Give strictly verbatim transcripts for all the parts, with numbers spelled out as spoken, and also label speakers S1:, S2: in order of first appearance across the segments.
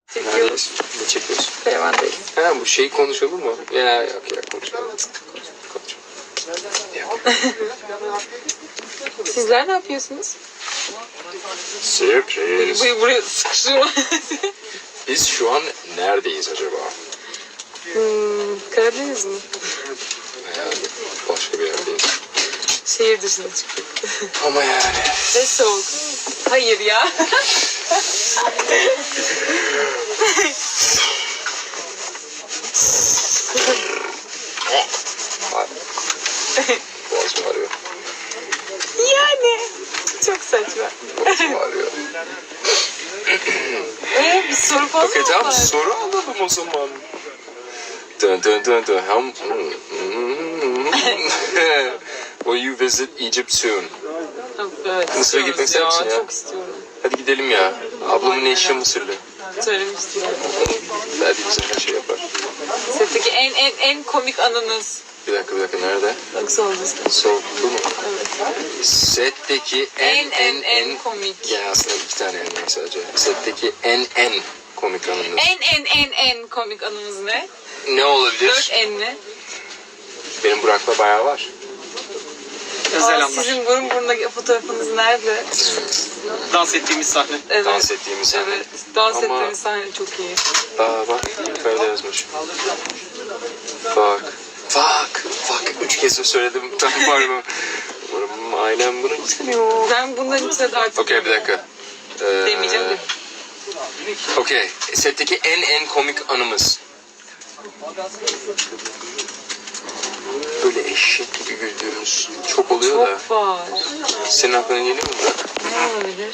S1: Çekiyoruz.
S2: Ne çekiyorsun?
S1: Karavandayız.
S2: Ha bu şeyi konuşalım mı? Ya yok ya konuşalım.
S1: Sizler ne yapıyorsunuz?
S2: Sürpriz.
S1: Burayı buraya sıkıştırma.
S2: Biz şu an neredeyiz acaba?
S1: hmm, Karadeniz mi?
S2: Yani başka bir yerdeyiz.
S1: Şehir dışına çıktık.
S2: Ama yani.
S1: Ve soğuk. Hayır ya.
S2: Boğazım ağrıyor.
S1: Yani. Çok saçma.
S2: Boğazım ağrıyor.
S1: Ee, bir soru falan
S2: Okey
S1: mı
S2: tamam
S1: var?
S2: soru alalım o zaman. Dun dun dun dun. Ham. Will you visit Egypt soon?
S1: Evet,
S2: Mısır'a gitmek ister
S1: istiyoruz
S2: misin ya?
S1: Çok istiyorum.
S2: Hadi gidelim ya. Ablamın eşi Mısırlı.
S1: Söylemiştim.
S2: Hadi bize her şey yapar.
S1: Setteki en en en komik anınız.
S2: Bir dakika bir dakika nerede?
S1: Bak sormuştum.
S2: Sol bu mu?
S1: Evet.
S2: Setteki en
S1: En en en komik.
S2: Yani aslında iki tane en var sadece. Setteki en en komik anınız.
S1: En en en en komik anımız ne?
S2: Ne olabilir?
S1: Dört enli.
S2: Benim Burak'la bayağı var.
S1: Aa, sizin burun buruna fotoğrafınız nerede?
S3: Dans ettiğimiz sahne.
S1: Evet.
S2: Dans ettiğimiz sahne.
S1: Evet. Dans
S2: Ama-
S1: ettiğimiz sahne çok iyi.
S2: Aa bak yukarıda yazmış. Fuck. Fuck. Fuck. Üç kez de söyledim. Ben var mı? Umarım ailem bunu istemiyor.
S1: Ben bundan içine de artık
S2: Okey bir dakika. Ee,
S1: demeyeceğim de.
S2: Okey. Setteki en en komik anımız. Böyle eşek gibi güldüğümüz çok oluyor da.
S1: Çok var.
S2: Senin aklına geliyor mu Burak?
S1: Ne olabilir?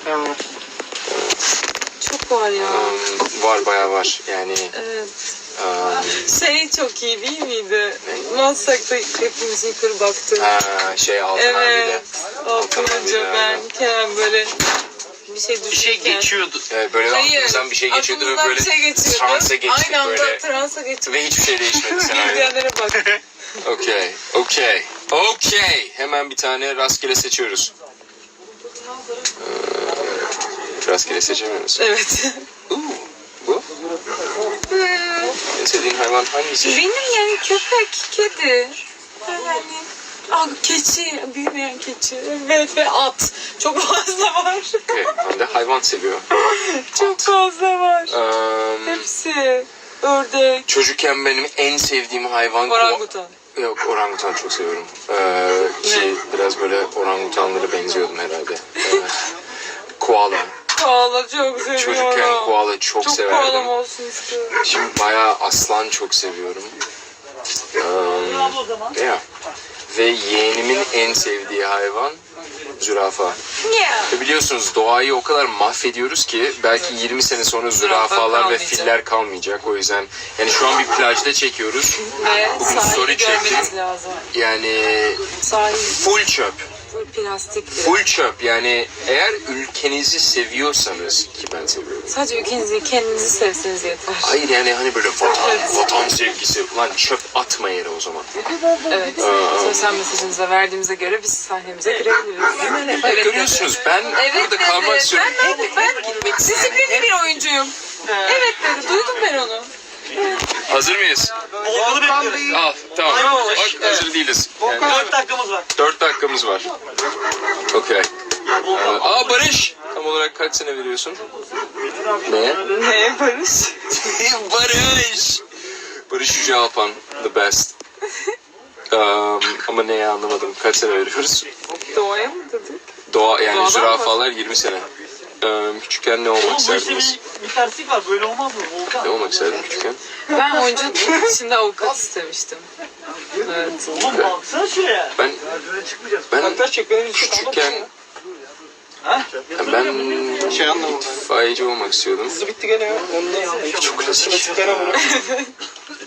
S1: Çok var ya.
S2: Um, var bayağı var. Yani
S1: Evet.
S2: um,
S1: Şey çok iyi değil miydi? Maslak'ta hepimiz yukarı baktık.
S2: ha, şey Altın
S1: Evet.
S2: abiyle.
S1: Altın
S2: Altın
S1: Hoca,
S2: abiyle,
S1: ben,
S2: aynen.
S1: Kerem böyle bir şey
S3: Bir şey
S1: düşünürken.
S3: geçiyordu.
S2: Evet, böyle
S1: Hayır.
S2: aklımızdan bir şey geçiyordu ve
S1: aklımızdan
S2: böyle
S1: bir şey geçiyordu.
S2: transa geçtik
S1: Aynı anda
S2: böyle.
S1: transa geçtik.
S2: Ve hiçbir şey değişmedi senaryo.
S1: Gidenlere bak.
S2: Okey, okey, okey. Hemen bir tane rastgele seçiyoruz. Ee, rastgele seçemiyoruz.
S1: Evet.
S2: Uuu, bu? En sevdiğin hayvan hangisi?
S1: Benim yani köpek, kedi. Yani ah, keçi, büyümeyen keçi. Evet ve at. Çok fazla var.
S2: Okey, ben de hayvan seviyor.
S1: Çok fazla var.
S2: Um,
S1: Hepsi. Ördek.
S2: çocukken benim en sevdiğim hayvan...
S1: Orangutan.
S2: Yok, orangutan çok seviyorum. Ee, ki biraz böyle orangutanlara benziyordum herhalde. Ee, koala.
S1: Koala çok seviyorum.
S2: Çocukken koala çok,
S1: Çok
S2: severdim.
S1: koalam olsun istiyorum.
S2: Şimdi bayağı aslan çok seviyorum. Um, yeah. Ve yeğenimin en sevdiği hayvan zürafa.
S1: Yeah.
S2: Ve biliyorsunuz doğayı o kadar mahvediyoruz ki belki yirmi sene sonra
S1: Zürafa
S2: zürafalar ve
S1: kalmayacak.
S2: filler kalmayacak. O yüzden yani şu an bir plajda çekiyoruz.
S1: Ve
S2: Bugün story
S1: sahili
S2: çektim.
S1: görmeniz lazım.
S2: Yani
S1: Sahil
S2: full çöp.
S1: full plastikli.
S2: Full çöp. Yani eğer ülkenizi seviyorsanız ki ben seviyorum.
S1: Sadece ülkenizi kendinizi sevseniz yeter.
S2: Hayır yani hani böyle vatan,
S1: Evet.
S2: vatan sevgisi. Lan çöp atma yere o zaman.
S1: Evet. Sosyal mesajınıza verdiğimize göre biz sahnemize girebiliriz.
S2: Evet, görüyorsunuz ben
S1: Evet
S2: burada
S1: dedi.
S2: kalmak istiyorum.
S1: Ben, ben, ben disiplinli bir oyuncuyum. Evet dedi. Duydum ben onu.
S2: Hazır mıyız?
S3: Volkan'ı bekliyoruz.
S2: Al tamam.
S3: Aynen.
S2: Bak hazır değiliz. Yani,
S3: Dört dakikamız var.
S2: dört dakikamız var. Okey. Aa Barış. Tam olarak kaç sene veriyorsun? Neye?
S1: Ne Barış?
S2: Barış. Barış Yüce Alpan. The best. Um, ama neye anlamadım. Kaç sene veriyoruz?
S1: Doğaya mı dedik?
S2: Doğa yani
S1: Doğadan
S2: zürafalar yirmi sene. Um, küçükken ne olmak
S3: Oğlum bu işte
S2: isterdiniz?
S3: bir, bir terslik var. Böyle olmaz mı Volkan?
S2: Ne olmak isterdin küçükken?
S1: Ben oyunculuk içinde avukat istemiştim. Evet.
S3: Oğlum baksana şuraya.
S2: Ben ben
S3: benim
S2: küçükken
S3: Ha?
S2: yani ben
S3: Şey anlamadım.
S2: itfaiyeci olmak istiyordum.
S3: bitti gene ya. Ondan
S2: Çok klasik.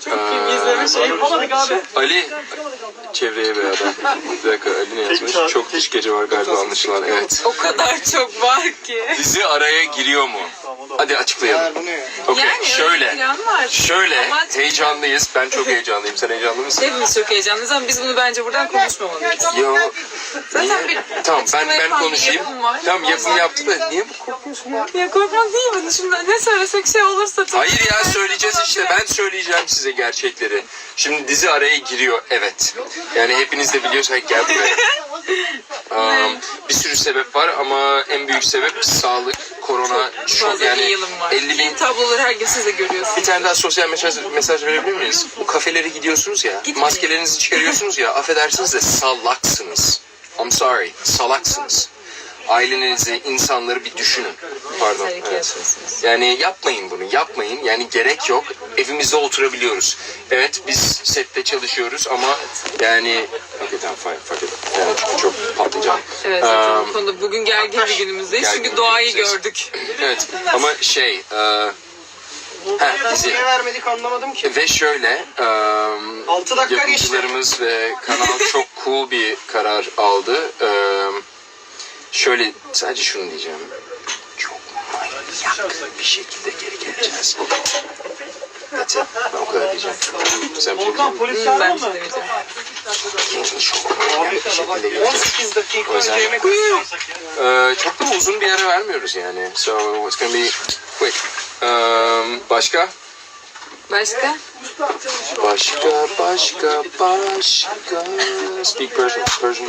S1: Çok film izleme şey
S3: Yapamadık abi.
S2: Ali, çevreye bir adam. Bir dakika, Ali ne yazmış? Çok iş gece var galiba anlaşılan, evet.
S1: O kadar çok var ki.
S2: Dizi araya giriyor mu? Hadi açıklayalım. Okey,
S1: Yani öyle bir
S2: şöyle.
S1: plan var.
S2: Şöyle,
S1: Ama-
S2: heyecanlıyız. Ben çok heyecanlıyım. Sen heyecanlı mısın?
S1: Hepimiz çok heyecanlıyız ama biz bunu bence buradan konuşmamalıyız.
S2: Yo.
S1: Zaten bir
S2: Tamam, ben
S1: açıklama
S2: ben
S1: yapan bir
S2: konuşayım.
S1: yapım var.
S2: Tamam, yapım yaptı da niye bu korkuyorsun ya?
S1: Ya korkmak değil mi? Şimdi ne söylesek şey olursa... çok-
S2: Hayır ya, söyleyeceğiz işte. Ben söyleyeceğim size gerçekleri. Şimdi dizi araya giriyor, evet. Yani hepiniz de biliyorsunuz. Gel buraya. Um, bir sürü sebep var ama en büyük sebep sağlık, korona, çok
S1: Fazla
S2: yani
S1: bir yılım var.
S2: elli bin.
S1: Film tabloları her gün siz de görüyorsunuz.
S2: Bir tane daha sosyal mesaj, mesaj verebilir miyiz? Bu kafelere gidiyorsunuz ya,
S1: Gitmeyin.
S2: maskelerinizi çıkarıyorsunuz ya, affedersiniz de salaksınız. I'm sorry, salaksınız. Ailenizi, insanları bir düşünün. Pardon.
S1: Tehlike
S2: Evet.
S1: yaşıyorsunuz.
S2: Yani yapmayın bunu, yapmayın. Yani gerek yok. Evimizde oturabiliyoruz. Evet, biz sette çalışıyoruz ama yani... Okay, tamam, fine, fuck it. Yani çünkü çok patlayacağım.
S1: Evet zaten
S2: Um,
S1: bu konuda bugün gergin bir günümüzdeyiz
S2: gergin
S1: çünkü
S2: bir
S1: doğayı
S2: günümüzdeyiz.
S1: gördük.
S2: Evet, ama şey... E, ha, dizi.
S4: Niye vermedik anlamadım ki.
S2: Ve şöyle, um,
S4: Altı dakika geçti.
S2: yapımcılarımız ve kanal çok cool bir karar aldı. Um, şöyle, sadece şunu diyeceğim. Çok manyak bir şekilde geri geleceğiz. That's it. Ben o kadar diyeceğim. Sen bir şey
S3: Volkan polis
S1: Hmm,
S3: çağırdın
S1: ben
S3: mı?
S1: şey demeyeceğim.
S2: diyeceksin. Çok manyak bir şekilde
S4: on
S2: geleceğiz.
S4: sekiz dakika
S2: O yüzden-
S4: önce yemek
S2: Ee, çok da uzun bir ara vermiyoruz yani. So it's gonna be quick. Um, başka?
S1: Başka?
S2: Başka, başka, başka. Speak Persian, Persian.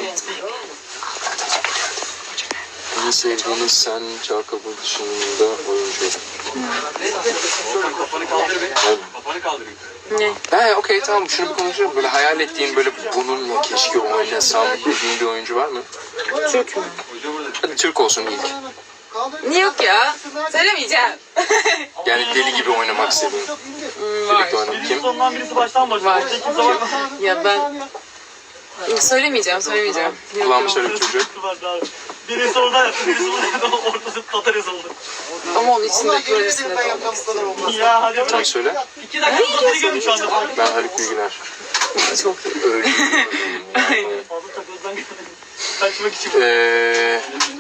S2: En sevdiğiniz sen Çağkabul dışında oyuncu.
S3: Kafanı kaldır be.
S2: Evet.
S3: Kafanı kaldır.
S1: Ne?
S2: He okey tamam, şunu bir konuşalım. Böyle hayal ettiğin, böyle bununla keşke oynasam dediğin bir oyuncu var mı?
S1: Türk mü?
S2: Hadi Türk olsun ilk.
S1: Niye yok ya? Söylemeyeceğim.
S2: Yani deli gibi oynamak istediğin.
S1: Hmm, var.
S2: Birlikte oynamak
S3: Birisi
S2: kim?
S3: sondan birisi baştan başlar.
S1: Var.
S3: Orada kimse var mı?
S1: Ya ben... Söylemeyeceğim, söylemeyeceğim. Yok,
S2: Kulağımı
S1: yok.
S2: söyle bir çocuğu.
S3: Birisi orada yaptı, birisi burada yaptı. Ortası Tatar yazıldı.
S1: Ama onun içinde projesinde de olmak istiyorum.
S3: Ya hadi
S2: Sen
S3: bırak.
S2: söyle.
S3: İki dakika Tatar'ı gördüm şu anda.
S2: Ben Haluk Bilginer.
S1: Çok iyi.
S2: Öyle.
S1: Aynen.
S3: Fazla takıldan kaçmak için.
S2: Eee...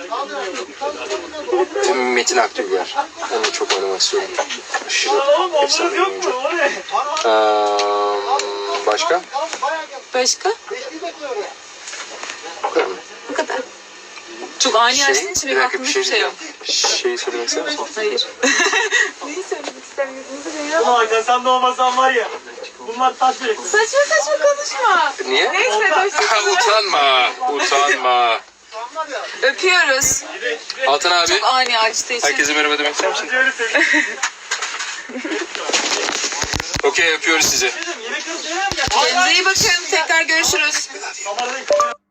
S2: Metin Akdülger. Onu çok oynamak istiyorum. Aşırı
S3: Oğlum
S2: efsane
S3: onların
S2: bir
S3: yok
S2: oyuncu.
S3: mu? O ne?
S2: Eee, başka?
S1: Başka?
S2: Bu kadar mı?
S1: Bu kadar. Çok ani açtığın için
S2: bir
S1: benim
S2: dakika
S1: aklımda
S2: bir
S1: hiçbir
S2: şey
S1: şey yok.
S2: diyeceğim. Şeyi söylemek ister misin?
S1: Hayır. Neyi söylemek istemiyorsunuz ya?
S3: Ulan Hakan sen de olmasan var ya. Bunlar taş bile.
S1: Saçma saçma konuşma.
S2: Niye?
S1: Neyse
S2: Ha,
S1: hoşçakalın.
S2: utanma, utanma.
S1: Öpüyoruz.
S2: Altan abi,
S1: Çok ani açtığı için.
S2: herkese merhaba demek ister misin?
S3: Öyle seviyorum.
S2: Okey, öpüyoruz sizi.
S3: Yemek arası yemem ya.
S1: Kendinize iyi bakın. Tekrar görüşürüz.
S3: Damarda